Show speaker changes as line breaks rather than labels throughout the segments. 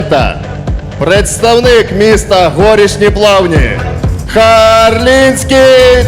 Представник міста Горішні Плавні Харлінський.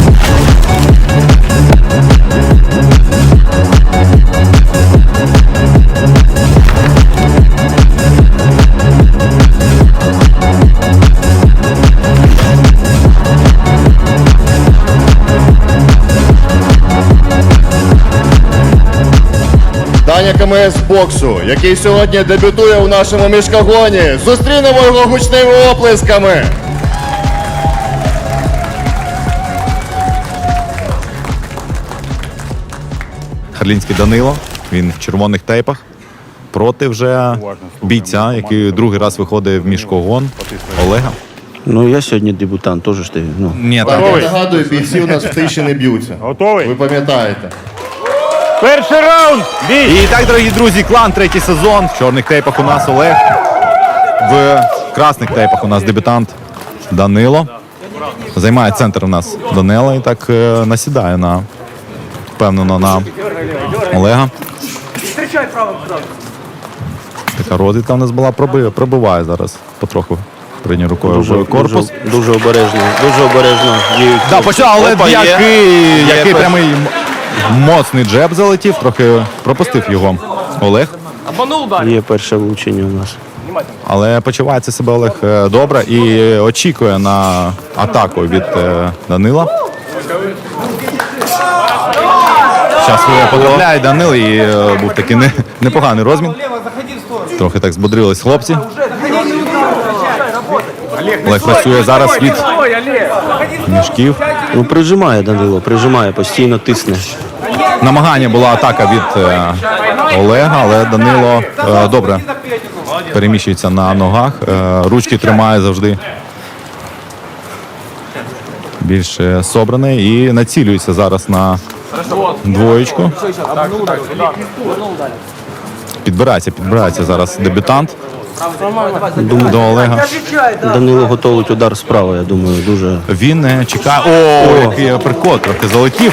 Даня КМС боксу, який сьогодні дебютує у нашому мішкогоні. Зустрінемо його гучними оплесками.
Харлінський Данило, він в червоних тейпах. Проти вже бійця, який другий раз виходить в мішкогон, Олега.
Ну, я сьогодні дебютант, теж ж ти. Ну.
Ні,
Так, я нагадую, бійці у нас в тиші не б'ються.
Готовий?
Ви пам'ятаєте.
Перший раунд! Бій!
І так, дорогі друзі, клан, третій сезон. В чорних тейпах у нас Олег. В красних тейпах у нас дебютант Данило. Займає центр у нас Данила і так насідає впевнено на Олега. Така розвідка у нас була, пробиває зараз потроху. Прийняв рукою в корпус.
Дуже обережно, дуже обережно.
Да, почав, але який прямий моцний джеб залетів, трохи пропустив його Олег.
Є перше влучення у нас.
Але почувається себе Олег добре і очікує на атаку від Данила. Зараз потрапляє Данил і був такий непоганий розмін. Трохи так збодрились хлопці. Олег працює зараз від мішків.
Ну, прижимає Данило, прижимає, постійно тисне.
Намагання була атака від Олега, але Данило добре переміщується на ногах. Ручки тримає завжди більш собраний і націлюється зараз на двоєчку. Підбирається зараз дебютант до Олега.
Данило готовить удар справа, я думаю, дуже.
Він чекає. О, який апперкот, трохи залетів.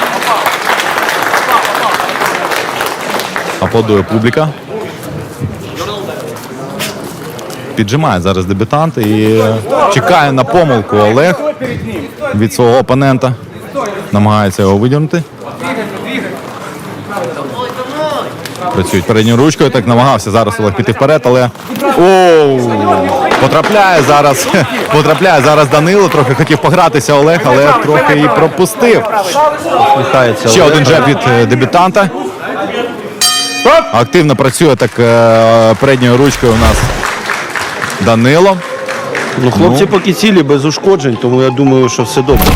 Аплодує публіка. Піджимає зараз дебютант і чекає на помилку Олег від свого опонента. Намагається його видірнути. Працюють передньою ручкою, так намагався зараз Олег піти вперед, але потрапляє зараз Данило, трохи хотів погратися Олег, але трохи і пропустив. Ще один джеб від дебютанта. Активно працює так передньою ручкою у нас Данило.
Ну, хлопці поки цілі, без ушкоджень, тому я думаю, що все добре.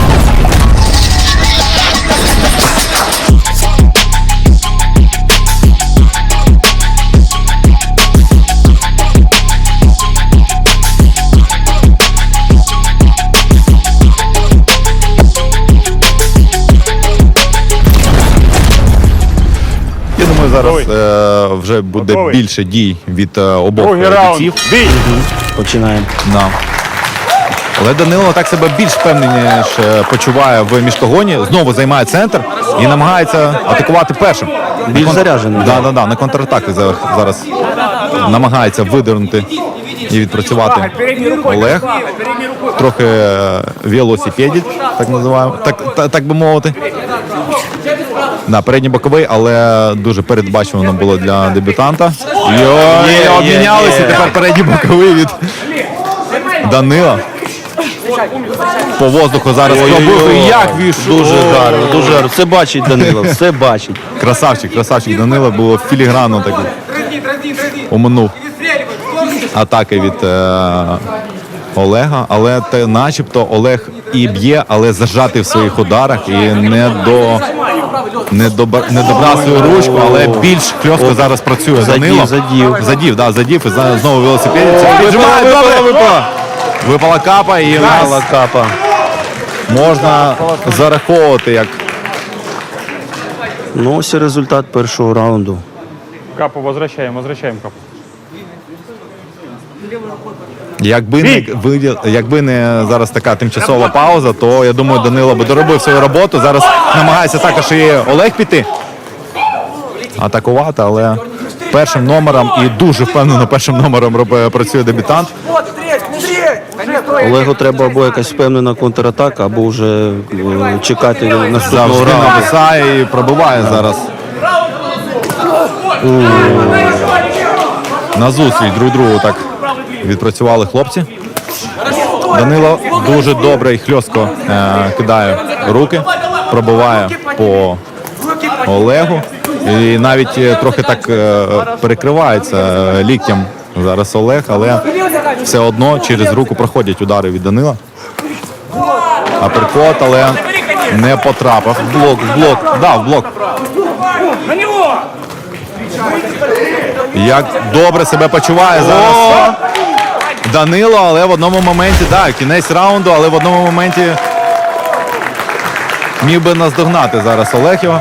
Я думаю, зараз вже буде більше дій від обох бійців.
Починаємо.
Да. Але Данило так себе більш впевненіше почуває в мішкогоні. Знову займає центр і намагається атакувати першим.
Більш заряджений.
Да, на контратаки зараз намагається видернути і відпрацювати Олег. Трохи велосипедить, так називаємо, так би мовити. Да, передній боковий, але дуже передбачувано було для дебютанта. Обмінялися, тепер передній боковий від Данила. По воздуху зараз пробив. Як війшов.
Дуже гарно, дуже гарно. Все бачить Данило, все бачить.
Красавчик Данила, було філігранно такий. Оминув атаки від Олега, але начебто Олег і б'є, але зажатий в своїх ударах і не добрав свою ручку, але більш хльостко зараз працює Данило. Задів і знову велосипедиться. Випала капа і
капа.
Можна зараховувати як.
Ну, ось і результат першого раунду.
Капу возвращаем капу.
Якби не зараз така тимчасова пауза, то я думаю, Данило би доробив свою роботу. Зараз намагається також і Олег піти. Атакувати, але першим номером і дуже впевнено першим номером працює дебютант.
Олегу треба або якась впевнена контратака, або вже чекати наступного
Завжди
раунду.
нависає і пробиває зараз. На зустріч друг другу так відпрацювали хлопці. Данило дуже добре і хльостко кидає руки, пробиває по Олегу. І навіть трохи так перекривається ліктям зараз Олег, але все одно через руку проходять удари від Данила. Аперкот, але не потрапив. Блок. Дав блок. Як добре себе почуває зараз Данило, але в одному моменті, кінець раунду, але в одному моменті міг би наздогнати зараз Олег його.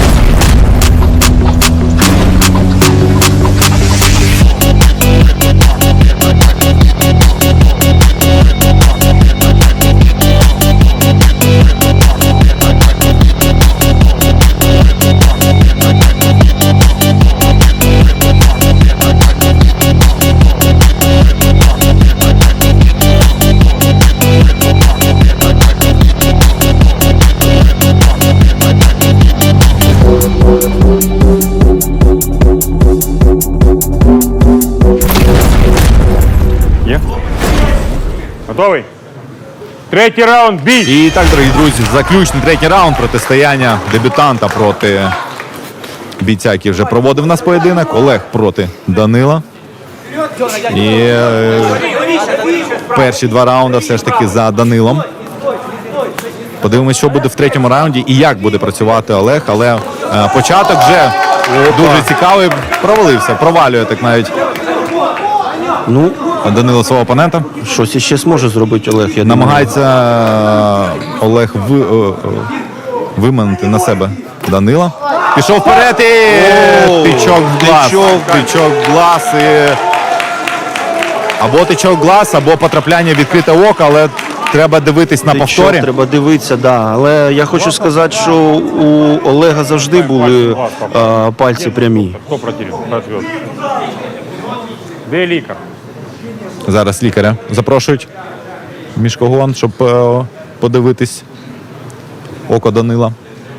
Є? Готовий? Третій раунд, бій!
І так, дорогі друзі, заключний третій раунд протистояння дебютанта проти бійця, який вже проводив нас поєдинок. Олег проти Данила. І перші два раунди все ж таки за Данилом. Подивимось, що буде в третьому раунді і як буде працювати Олег. Але початок вже дуже цікавий. Провалює так навіть
Ну,
Данило свого опонента.
щось іще зможе зробити Олег, я думаю.
Намагається Олег виманити на себе Данила. Пішов вперед і тичок в глаз. Тичок в глаз. Або тичок в глаз, або потрапляння в відкрите око, але треба дивитись на повторі.
Треба дивитися, да. Але я хочу сказати, що у Олега завжди були пальці прямі.
Хто противник? Ответ. Де лікар?
Зараз лікаря запрошують в міжкогон, щоб подивитись око Данила.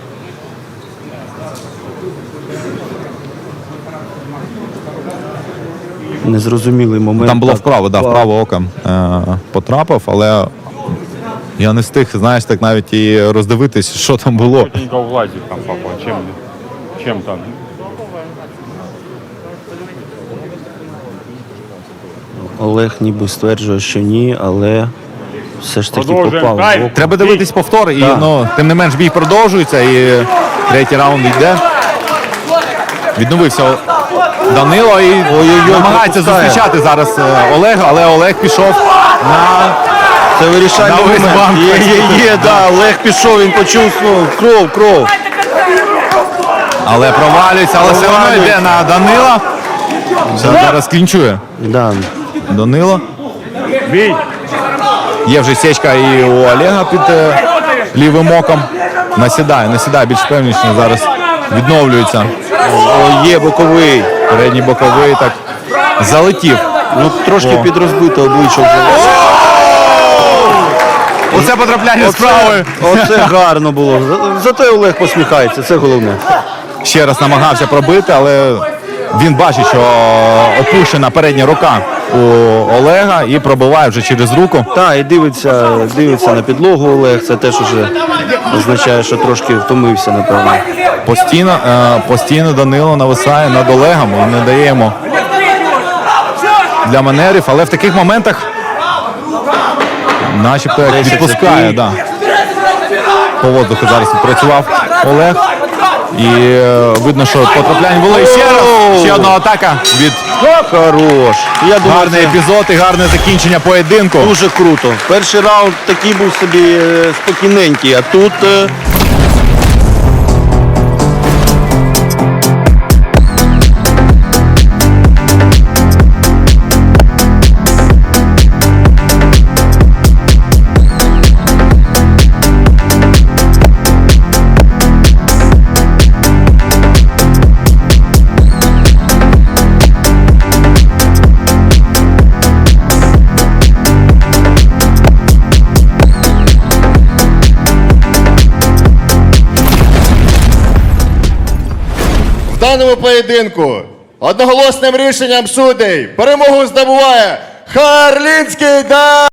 Незрозумілий момент.
Там було
Так,
вправо око потрапив, але я не встиг, знаєш, так навіть і роздивитись, що там було.
Тільки в глазі там попав. Чим там?
Олег ніби стверджує, що ні, але все ж таки
Продовжуємо.
попав.
Дай.
в око.
Треба дивитись повтор, і
Так.
тим не менш бій продовжується, і третій раунд йде. Відновився Данило і намагається
пропускає.
зустрічати зараз Олега, але Олег пішов на...
Це вирішальний
На весь
момент.
банк.
Є, да. Олег пішов, він почув кров.
Але провалюється, але все одно йде на Данила. Зараз клінчує
Да.
Данило.
Бій!
Є вже сечка і у Олега під лівим оком. Насідає, більш певніше зараз відновлюється.
О, є боковий.
Передній боковий так залетів.
Ну, трошки
О.
підрозбите обличчя вже.
Оце потрапляння з правої.
Оце гарно було. Зате Олег посміхається, це головне.
Ще раз намагався пробити, але він бачить, що опущена передня рука у Олега і пробиває вже через руку.
Так, і дивиться на підлогу Олег. Це теж уже означає, що трошки втомився, напевно.
Постійно Данило нависає над Олегом і не дає йому для маневрів, але в таких моментах начебто як відпускає. Да. По воздуху зараз відпрацював Олег. І видно, що потрапляння було. І ще одна атака від
Хорош. Я думаю,
гарний
це
епізод і гарне закінчення поєдинку.
дуже круто. Перший раунд такий був собі спокійненький, а тут
В даному поєдинку одноголосним рішенням судей перемогу здобуває Харлінський